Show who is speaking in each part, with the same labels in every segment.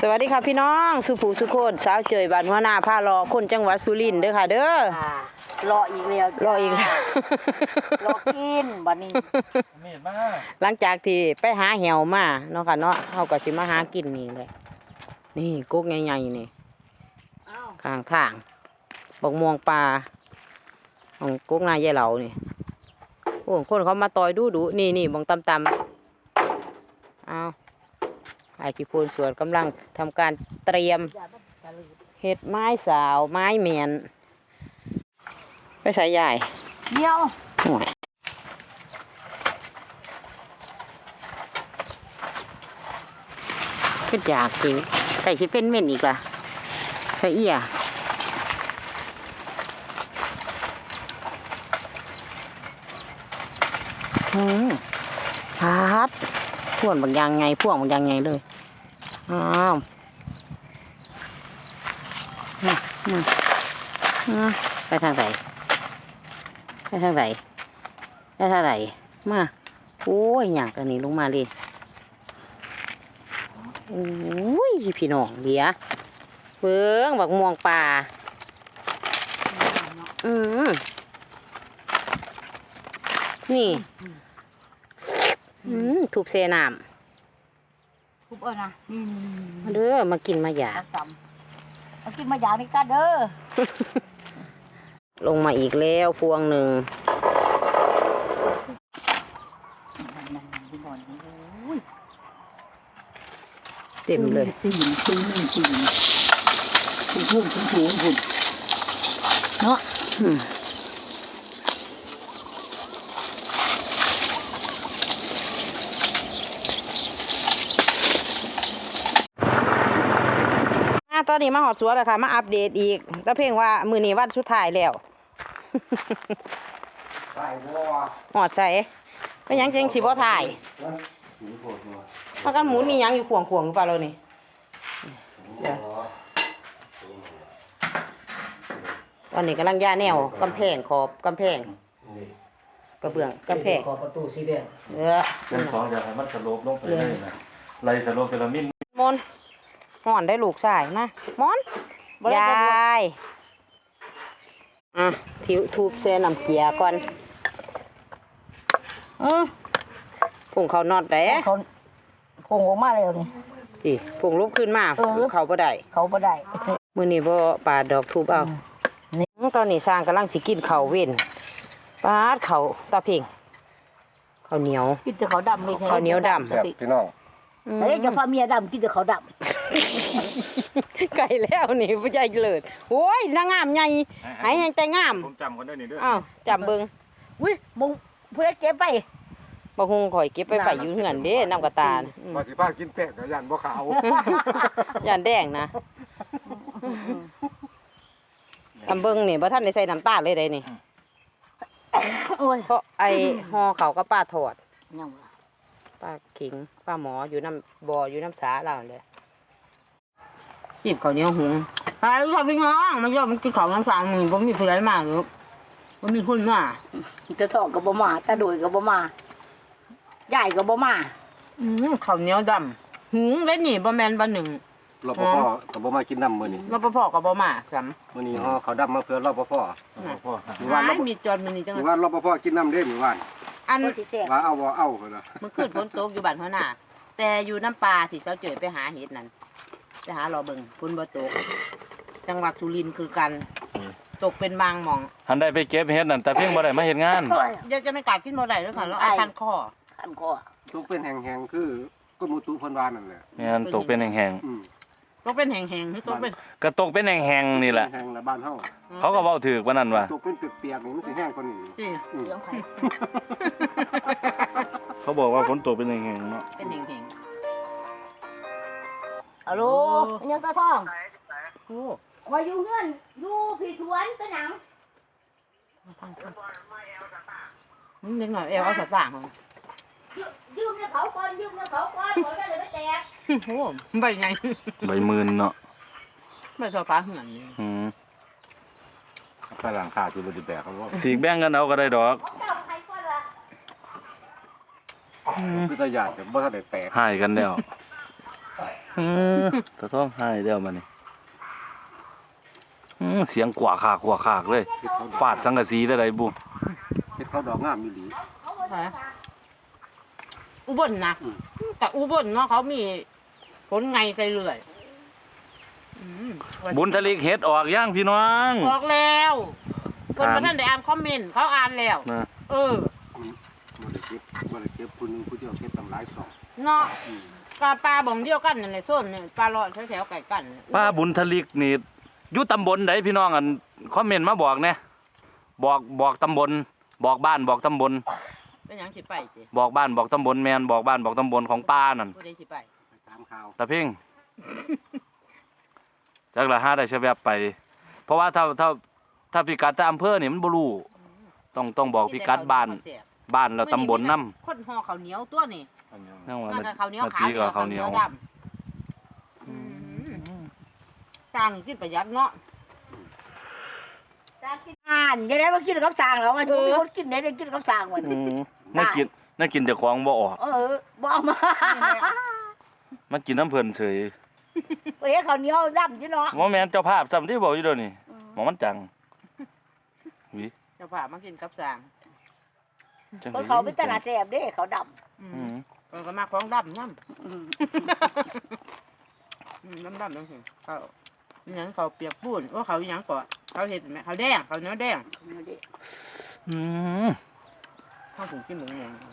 Speaker 1: สวัสดีค่ะพี่น้องสุภูสุโคนสาวเจยบ้านหัวหน้าพารอคนจังหวัดสุรินทร์เด้อค่ะเด้อ
Speaker 2: รออีกแล้ว
Speaker 1: รออีกแล้ว
Speaker 2: รอกินบัดนี้
Speaker 1: หลังจากที่ไปหาแหวมาเนาะค่ะเนาะเฮาก็สิมาหากินนี่เลยนี่กุ๊กใหญ่ๆนี่ข้างทางบกม่วงปลาของกุ๊กนายยายเหลานี่โอ้คนเขามาต่อยดูนี่บงตำเอาไอ้ขี้พูนสวนกำลังทำการเตรียมเห็ดไม้สาวไม้เมียนไปใส่ใหญ่
Speaker 2: เดียว
Speaker 1: ห่วยก็อยากกินใส่ชิเป็นเม่นอีกล่ะใส่เอี่ยพัดพ่วงบางอย่างไงพ่วงบางอย่างไงเลยอ้าวไปทางไหนไปทางไหนไปทางไหนมาโอ้ยอยากอันนี้ลงมาเลยโอ้ยพี่น้องเดี๋ยวเพิ่งบักม่วงป่านี่ถูกเซน้ำ
Speaker 2: ทุบนะ
Speaker 1: มาเด้อมากินมาหยา
Speaker 2: มากินมาหยานี่กันเด้อ
Speaker 1: ลงมาอีกแล้วพวงหนึ่งเต็มเลย
Speaker 2: ตีพุ่งเนาะ
Speaker 1: ตอนนี้มาหอดสวนแล้วค่ะมาอัปเดตอีกแต่เพียงว่ามือนี้วันสุดท้ายแล้วหอดใส่ไม่ยังจริงสิบ่ถ่ายมากันหมูนี่ยังอยู่ขวงหรือเปล่าเรานี่ตอนนี้กำลังย่าแนวกำแพงขอบกำแพงกระเบื้องกำแพง
Speaker 3: ขอบประตูสีแดง
Speaker 1: เป็น
Speaker 3: สองอย่างให้มันสลบลงไปเลยนะไล่สลบเทลามิน
Speaker 1: มนห่อนได้ลูกชายนะมอนยายทิวทูบเส้นน้ำเกียก่อนผงเขานอดได้
Speaker 2: เขาพงออกมาแล้วนี่
Speaker 1: สิผงลุกขึ้นมาเขาบ่ได้มื้อนี้บ่ปาดดอกทูบเอาตอนนี้สร้างกำลังสิกินข้าวเว้นปาดข้าวตาเพ่งข้าวเหนียว
Speaker 2: กินแต่ข้าวดำเลย
Speaker 1: ข้าวเหนียวดำ
Speaker 3: พี่น้อง
Speaker 2: เฮ้ยจะพาเมียดำกินแต่ข้าวด
Speaker 1: ำไก่แล้วนี่ผู้ใหญ่เลิศโอ้ยนางงามใหญ่หายยังแต่งาม
Speaker 3: ผมจำคนได้นี่ด้วย
Speaker 1: จำเบิ่ง
Speaker 2: อุ้ยมึงผู้ใดเก็บไป
Speaker 1: บ่ฮู้ข่อยเก็บไปอยู่เฮือนเด้น้ำกระตา
Speaker 3: ว่าสิพากินแป้งกับยันบ่ขาว
Speaker 1: ยันแดงนะจำเบิ่งนี่บ่ทันได้ใส่น้ำตาลเลยได้นี่เพราะไอ้ห่อเขาก็ป้าถอดป้าขิงป้าหมออยู่น้ำบ่ออยู่น้ำสาเราเลยจีบเขาเนี้ยหุงไปค่ะพี่น้องมันยอดมันกินของน้ำสางนี่ผมมีเพื่อนมากหรือผมมีคนมา
Speaker 2: จะถอกกับบ่มาจะโดยกับบ่มาใหญ่กับบ่มา
Speaker 1: เขาเนี้ยดำหุงได้หนีบ่แมนบ่หนึ่ง
Speaker 3: รปภกับบ่มากินน้ำมื้อนี้
Speaker 1: รปภกับบ่มาซ้
Speaker 3: ำมื้อนี้ห่อเขาดำมาเพื่อรปภ
Speaker 1: มีจอดมื้อนี้จัง
Speaker 3: ว่ารปภกินน้ำเด้มื้อวาน
Speaker 1: อัน
Speaker 3: ว่าเอาบ่เอาพุ่นน่ะ
Speaker 1: มื้อคืนฝนตกอยู่บ้านหัวหน้าแต่อยู่น้ำปลาที่เช้าเจอไปหาเห็ดนั่นไปหารอเบิ่งฝนบ่ตกจังหวัดสุรินทร์คือกันตกเป็นบางหม่อง
Speaker 3: หันได้ไปเก็บเห็ดนั่นแต่เพียงบ่ได้มาเฮ็ดงาน
Speaker 1: เดี๋ยวจะไม่กล้ากินบ่ได้ด้วยค่ะแล้วคันคอ
Speaker 3: ตกเป็นแห้งๆคือกรมอุตุเพิ่นว่านั่นแหละแม่นตกเป็นแห้ง
Speaker 1: ตกเป็นแห้งๆคือตกเป็น
Speaker 3: ก็ตกเป็นแห้งๆนี่แหละแห้งละบ้านเฮาเขาก็เว้าถูกว่านั่นว่าตกเป็นเปียกๆนี่มันสิแห้งกว่านี้เขาบอกว่าฝนตกเป็นแห้งๆเนาะ
Speaker 1: เป็นแห้ง
Speaker 2: ๆฮัลโหลยังตาทองโอ้ว่าอยู่เฮือนอยู่พี่สวนตะหนัง
Speaker 1: มันยังไงเอวเอาสตางค์
Speaker 2: ยืมเขาก่อนขอได้เลยไม่แตก
Speaker 1: โอ้ใบไง
Speaker 3: ใบมื่นเนาะ
Speaker 1: ใบสฟ้าเหมือน
Speaker 3: ข้างหลังขาดที่บ่สิแตกเขาว่าสีแบ่งกันเอาก็ได้ดอกคือตะหยาดบ่ทันได้แตกหายกันแล้วตะท้องให้เดี๋ยวมานี่เสียงกว่าขากเลยฟาดสังกะสีได้ไรบุ
Speaker 4: เฮ็ดเขาดอกงามอีหลี
Speaker 1: อุบลนะแต่อุบลเนาะเขามีผลไงใส่เรื่อย
Speaker 3: บุญทะเลเฮ็ดออกย่างพี่น้อง
Speaker 1: ออกแล้วคนมาท่านได้อ่านคอมเมนต์เขาอ่านแล้ว
Speaker 3: นะ
Speaker 1: เออ
Speaker 4: บ่ได้เก็บผู้หนึงผู้เดียวเก็บตำหลายสอง
Speaker 1: เนาะปลาบ่งเดียวกันนั่นแหละส้นเนี่ยปลาเลาะแถวๆไก่กัน
Speaker 3: ป้าบุญทะเลนี่อยู่ตำบลไหนพี่น้องอันคอมเมนต์มาบอกแน่บอกตำบลบอกบ้านบอกตำบล
Speaker 1: เป็นหยังสิไปสิ
Speaker 3: บอกบ้านบอกตำบลแมนบอกบ้านบอกตำบลของป้านั่น
Speaker 1: ผู้ใดสิไป
Speaker 4: ไปตามข่าว
Speaker 3: ตะเพ่งจักละห้าได้ใช้แวบไป เพราะว่าถ้าพิกัดแต่อำเภอนี่มันบ่รู้ต้องบอกพิกัดบ้านแล้วตำบลนำ
Speaker 1: คนห่อข้าวเหนียวตัวนี่
Speaker 3: นั่นว่า
Speaker 1: นั่นก็ข้าวเหนียว
Speaker 3: เมื่อ
Speaker 1: ขาว
Speaker 3: กี้ก็ข้าวเหนียว
Speaker 1: ดำสั่งกินประหยัดเนาะ
Speaker 2: อ่านยังไงมากินกับสางเหรอมันมีคนกินได้กินกับสางวัน
Speaker 3: น่ากินแต่ของบ่ออก
Speaker 2: บอกมา
Speaker 3: มากินน้ำเพิ่นเฉย
Speaker 2: วันนี้เขาเหนียวดำจีเนาะ
Speaker 3: บ่แม่นเจ้าภาพซ้ำที่บอกอยู่เดี๋ยวนี้หมอมันจังวิ
Speaker 1: เจ้าผ่ามากินกับสั่ง
Speaker 3: จัง
Speaker 2: คนเขาเป็นตลาดแสบเด้เขาด
Speaker 1: มันก็มาของดำย่
Speaker 2: ำ
Speaker 1: ำดำจังสิเขาหยังเขาเปียกปูนว่าเขาหยังก่อนเขาเห็ดไหมเขาแดงเขาเนื้อแดง
Speaker 3: อืม
Speaker 1: เขาถึงกินหมูแดง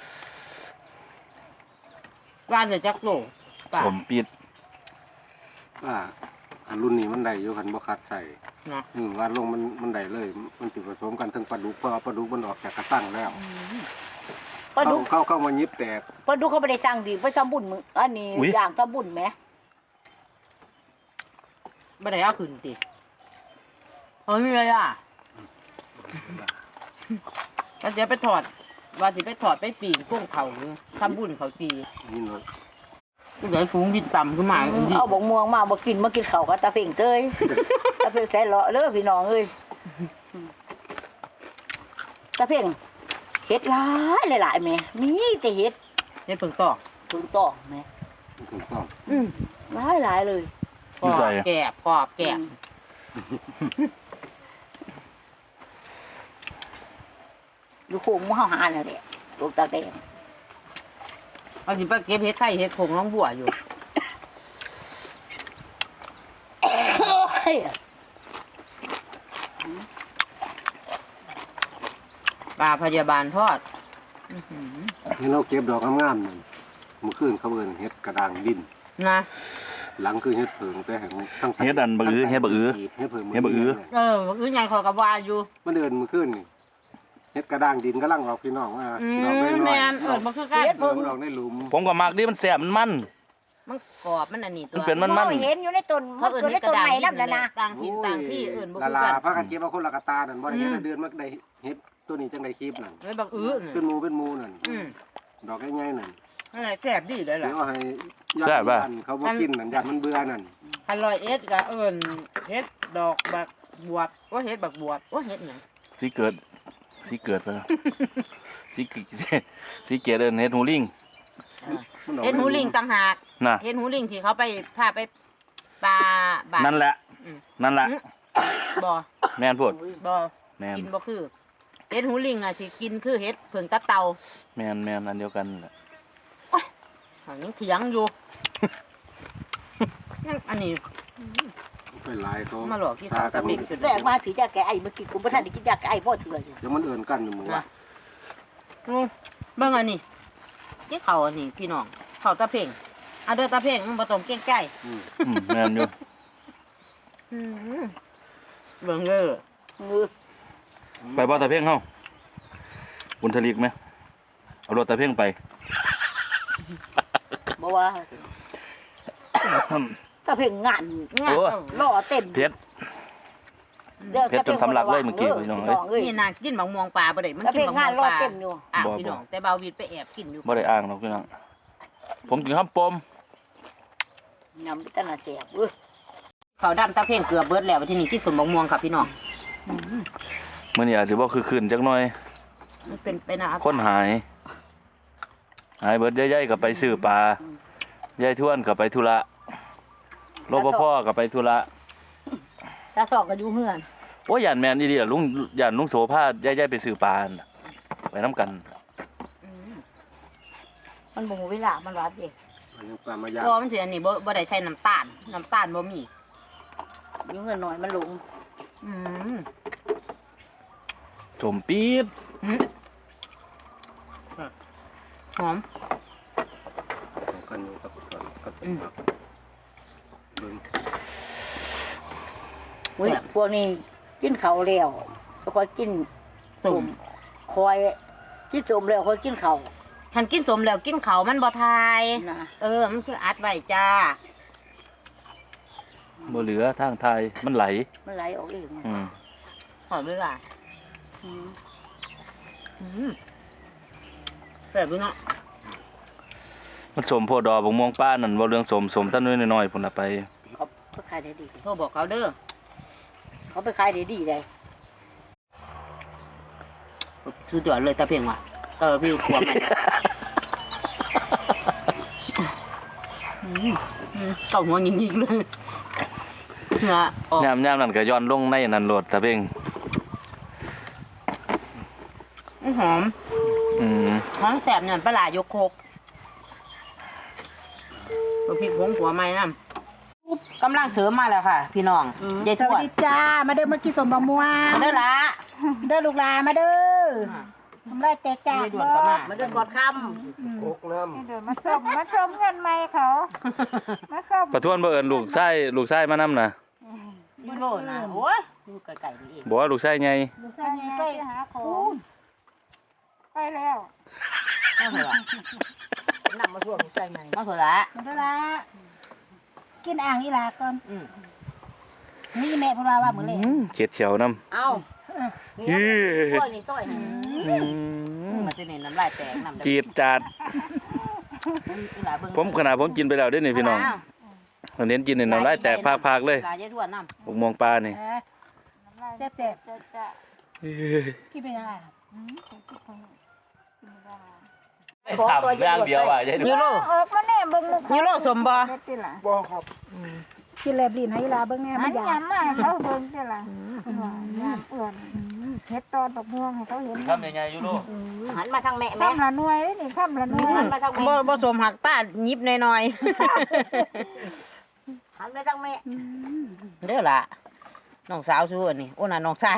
Speaker 1: ว่านเลยจักโลป่า
Speaker 3: สมปิด
Speaker 4: ว่าอันรุ่นนี้มันได้อยู่คันบ่คัดใส่
Speaker 1: นะ
Speaker 4: ว่าลงมันได้เลย มันสิผสมกันทั้งปลาดุกเพราะว่าปลาดุกมันออกจากกระตั้งแล้ว
Speaker 2: ปลาดุก
Speaker 4: เข้ามายิบแตก
Speaker 2: ปลาดุกเขาไม่ได้สั่งดีไปทำบุญมึงอันนี้อย่างทำบุญไหม
Speaker 1: ไม่ได้เอาขึ้นติเฮ้ยมีอะไรอ่ะก็จะไปถอดว่าสิไปถอดไปปีนกุ้งเขาทำบุญเขาปี
Speaker 4: นี่เนาะ
Speaker 1: ก็ใหญ่ฟูงดินต่ำขึ้นมาเป็นดิ
Speaker 2: เอาบกม่วงมามากินข้าวกับตาเพ่งเจ้ยตาเพ่งใส่เลาะเลยพี่น้องเอ้ยตาเพ่งเฮ็ดหลายแม่มีแต่เฮ็ด
Speaker 1: เนี่ยเพิ่งต่อ
Speaker 2: ถึงต่อแม่
Speaker 4: ถูกต้อง
Speaker 2: หลายเลย
Speaker 1: กรอบแกบกรอบแกบ
Speaker 2: อยู่โค้งมือเฮาหาแล้วแหละลูกตาแดง
Speaker 1: เอาสิไปเก็บเห็ดไข่เห็ดผงน้องบัวอยู่ปลาพยาบาลทอด
Speaker 4: นี่เราเก็บดอกงามๆนั่นมื้อคืนเขาเอิ้นเฮ็ดกระด้างดิน
Speaker 1: นะ
Speaker 4: หลังคือเฮ็ดเผิงแต่แห่งทั้ง
Speaker 3: เฮ็ดอันบะอื้อเฮ็ดบะอื้อ
Speaker 4: เฮ็ดเผิง
Speaker 3: เฮ็ดบ่อื้อ
Speaker 1: อื้อใหญ่คอยกับวาอยู่
Speaker 4: มันเดินมื้อคืนนี่เฮ็ดกระด้างดินกำลังออกพี่น้องว่าดอกน้อยๆ
Speaker 1: แมนมันคือกัน
Speaker 4: เพิ่งดอกในหลุม
Speaker 3: ผมก็มักดิมันแซ่บมัน
Speaker 1: มันกรอบมันอันนี้ตัว
Speaker 3: มันเป็นมัน
Speaker 2: เห็นอยู่ในต้น
Speaker 1: เขา
Speaker 2: มัน
Speaker 1: เอื่น
Speaker 2: เกิดใน
Speaker 1: ให้กระ
Speaker 2: ต้น
Speaker 1: ดาษ
Speaker 2: ใหม่นำนั่นนะ
Speaker 1: ต่างถิ่นต่างที่อื่นบ่
Speaker 4: ลา
Speaker 1: คือ
Speaker 4: ลา
Speaker 1: กัน
Speaker 4: พากันเก็บเอาคนละกระตานั่นบ่ได้เฮ็ดเดือนมันได้เฮ็ดตัวนี้จังได๋คลิปนั่น
Speaker 1: ไม่บักอื้อ
Speaker 4: เป็นหมูนั่นดอกใหญ่ๆนั่น
Speaker 1: นั่นแหละแซ่บดีเลย
Speaker 4: เดี๋
Speaker 1: ล่ะ
Speaker 4: ยวให้ญาติบ้านเขาบ่กินนั่นญาติมันเบื่อนั่น
Speaker 1: คันลอยเอ็ดก็เอิ้นเฮ็ดดอกบักบวบว่าเฮ็ดบักบวบว่าเฮ็ดหยัง
Speaker 3: สิเกิดไปแล้วสิเกิดเอิ้นเฮ็ดหูลิง
Speaker 1: เฮ็ดหูลิงต่างหาก
Speaker 3: น่ะ
Speaker 1: เฮ็ดหูลิงที่เขาไปพาไปปลาบา
Speaker 3: นั่นแหละ
Speaker 1: บ่
Speaker 3: แม่นพูด
Speaker 1: บ่
Speaker 3: แม่น
Speaker 1: กินบ่คือเฮ็ดหูลิงอ่ะสิกินคือเฮ็ดเผิงตับเต่า
Speaker 3: แม่นอันเดียวกันแหละ
Speaker 1: ยังเถียงอยู่ อันนี้
Speaker 4: ไปหลายเขา
Speaker 1: มาหลอกที่เขาตะบิก
Speaker 2: แรกมาถือยาแก้ไอเมื่อกี้กูบ่ทันได้กินยาแก้ไอพ่อเถื่ออยู่
Speaker 4: เดี๋ยวมันเอิ้นกันอยู่มื้อว่า
Speaker 1: เบิ่งอันนี้ที่เขาอันนี้พี่น้องเขาตะเพ่งเอาเด้อตะเพ่งมันบ่ต้องเก่งใจ
Speaker 3: แม่นอยู่
Speaker 1: เบิ่งเด้อ
Speaker 2: มือ
Speaker 3: ไปบ่ตะเพ่งเฮาบุญทะลิกไหมเอารถตะเพ่งไป
Speaker 2: บ่ว่าถ้าเพ่งงาน
Speaker 1: งาน
Speaker 2: ล่อเต้น
Speaker 3: เพชรจนสำลักเลยเมื่อกี้พี่น้องเอ้ย
Speaker 1: นี่น่ะกินบักม่วงปลาบ่ได้มัน
Speaker 2: ถ้า
Speaker 1: กิ
Speaker 2: เพ่
Speaker 1: น
Speaker 2: ง
Speaker 1: บักม่
Speaker 2: งา
Speaker 1: วน ง
Speaker 2: ล่อ
Speaker 1: ปลา
Speaker 2: เต้นอยู่
Speaker 1: พี่น้องแต่เบาวิดไปแอบกินอยู่
Speaker 3: บ่ได้อ้างหรอกพี่น้องผมกินข้าวปม
Speaker 2: นำพิจารณาเสียบ
Speaker 1: เขาดำตะเพ่งเกือบเบิดแล้วที่นี่ที่สมบักม่วงครับพี่น้อง
Speaker 3: มื้อนี้อาจสิบ่คือคืนจักหน่อย
Speaker 1: มันเป็นไปนะ
Speaker 3: คนหายเบิดใหญ่ๆก็ไปซื้อปลายายทวนก็ไปธุระรปภก็ไปธุระ
Speaker 2: ตาสองก็อยู่เฮือน
Speaker 3: โอ้ยย่านแม่นอีหลีล่ะลุงย่านลุงโสพายายไปซื้อปลาน่ะไปนํกัน
Speaker 2: มันบ่มีเวลามันว่าเด้
Speaker 4: มันยังปลามายาง
Speaker 1: บ่มันสิอันนี้บ่ได้ใช้น้ำตาลบ่มี
Speaker 2: อยู่เฮือนหน่อยมันหลง
Speaker 1: อืม
Speaker 3: สมปี๊ด
Speaker 1: หอม
Speaker 4: ของกันอยู่กับเบิ่ง
Speaker 2: อุ้ยพวกนี้กินข้าวแล้วก็ค่อยกินสมคอยกินสมแล้วค่อยกินข้าว
Speaker 1: คันกินสมแล้วกินเขาวมันบ่ทาย
Speaker 2: นะ
Speaker 1: มันคืออัดไว้จ้า
Speaker 3: บ่เหลือทางไทยมันไหล
Speaker 2: มันไหลออกเอง
Speaker 3: อืม
Speaker 1: หอมเลยล่ะ
Speaker 2: อืม
Speaker 1: แบบนี้เนาะ
Speaker 3: มันสมโพดอกบักม่วงป้านั่นบ่เรื่องสมต้นน้อยๆพุ่นน่ะไป
Speaker 2: เขาขายได้ดี
Speaker 1: โทรบอกเขาเด้อ
Speaker 2: เขาไปขายได้ดีเลย
Speaker 1: สุดยอดเลยตาเพียงว่ะพี่ขวบเก่าหัวยิงๆเลยเนื้อออก
Speaker 3: ยามนั่นก็ย้อนลงในนั่นโลดตะเพ่ง
Speaker 1: หอม
Speaker 3: อืม
Speaker 1: หอมแสบเนี่ยปลาหลายกโคกตัวพริกผงขัวไม้น้ำกำลังเสริมมาแล้วค่ะ พี่น้องยาย
Speaker 5: ส
Speaker 1: ทว
Speaker 5: วัส
Speaker 1: ด
Speaker 5: ดีจ้า มาเด้อมากินสมบะม่วง
Speaker 1: เด้อละ
Speaker 5: เด้อลูกหลานมาเด้อทำไรแตกจาก
Speaker 1: ยายด่วนก็มา
Speaker 2: มันเดินกอดค
Speaker 4: โคกน้ำ
Speaker 5: เดี๋ยวมาส่งเงินใหม่เขา มาส่ง
Speaker 3: ประทวนบ่เอิ้นลูกชายมานำน่ะ
Speaker 1: ยูโรนะโอ้ยอยู่ไกลๆนี่เอง
Speaker 3: บ่ว่าลูกชายใหญ่
Speaker 5: ลูกชายไปหาของไปแล้ว
Speaker 1: มาเถอะละ
Speaker 2: ำนำมาท่วมใส่ไง
Speaker 1: มาเถอะละ
Speaker 5: มาเด้อละกินอ่างนี่ล่ะก่อน
Speaker 1: อืม
Speaker 5: นี่แม่พูดว่ามื้อแลง
Speaker 3: เขียดเขียวนำ
Speaker 2: เอ้านี่พวกนี้ซอยให้
Speaker 1: มันจะเน้นน้ำลายแตกน้ำ
Speaker 3: จีดจาดผมขนาดผมกินไปแล้วเด้อนี่พี่น้องเน้นกินนี่น้ำลายแตกพากๆเลย
Speaker 1: ลายยายทวดน้ำ
Speaker 3: บักม่วงปลานี่
Speaker 5: แซ่บๆกินเป็นยังไง
Speaker 3: ถามอย่างเดียวว่ายาย
Speaker 1: ยูโร
Speaker 5: ออกมาแน่เบิ่งลูก
Speaker 1: ยูโรสมบ่
Speaker 4: บ่ครับ
Speaker 5: กินแลบลิ้นให้ลาเบิ่งแน่
Speaker 6: มั
Speaker 5: มัน นอยาก
Speaker 6: ยำมาเขาเบิ่งได้ล่ะยำเอื่อนเฮ็ดตอนดอกม่วงให้เขาเห็น
Speaker 3: ทำยังไงยูโร
Speaker 2: หันมาทางแม่แม่
Speaker 6: ข้ามละหน่วยนี่ข้ามละหน่วย
Speaker 2: หันมาทางแม่
Speaker 1: บ่สมหักตายิบหน่อย
Speaker 2: หันไปทางแม่
Speaker 1: ๆเด้อละน้องสาวสู้อันนี้โอ้น่ะน้องชาย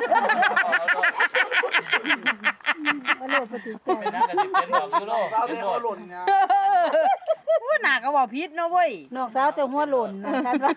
Speaker 5: บ่โลดบ่ติดใจ
Speaker 3: เป็นนั่งกันสิเป็นดอกยูโรเป็นโดด
Speaker 1: ว่าหนาก็บอกพิษเนาะเว้ย
Speaker 5: น้องสาวจะหัวหล่นนะครับว่า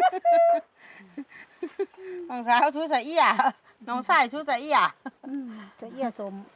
Speaker 1: น้องสาวชู้ใส่อีหยาน้องชายชู้ใส่อีหยา
Speaker 5: จะเอี้ยสม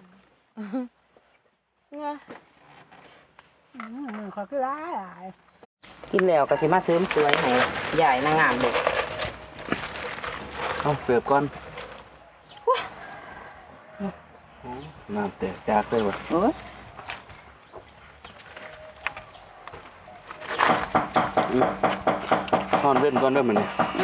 Speaker 5: มือเขาคือร้ายหลาย
Speaker 1: กินแล้วก็สิมาเสริมสวยให้ใหญ่นางงามเด็ก
Speaker 3: เอาเสิร์ฟก่อนน้ำแตกจากเลยว่ะ
Speaker 1: โอ้ย
Speaker 3: นอนเว้นก่อนเด้อมื้อนี้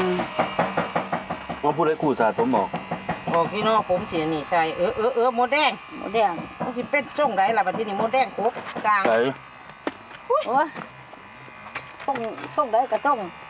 Speaker 3: มาพูดให้ครูสาผมบอก
Speaker 1: บอกพี่น้องผมสินี่ใส่หมดแดง
Speaker 2: หมดแดง
Speaker 1: มันสิเป็นช่งไดล่ะบัดทีนี้หมดแดงกบกลาง
Speaker 3: ไส
Speaker 2: โอ้ยส่งได้ก็ส่ง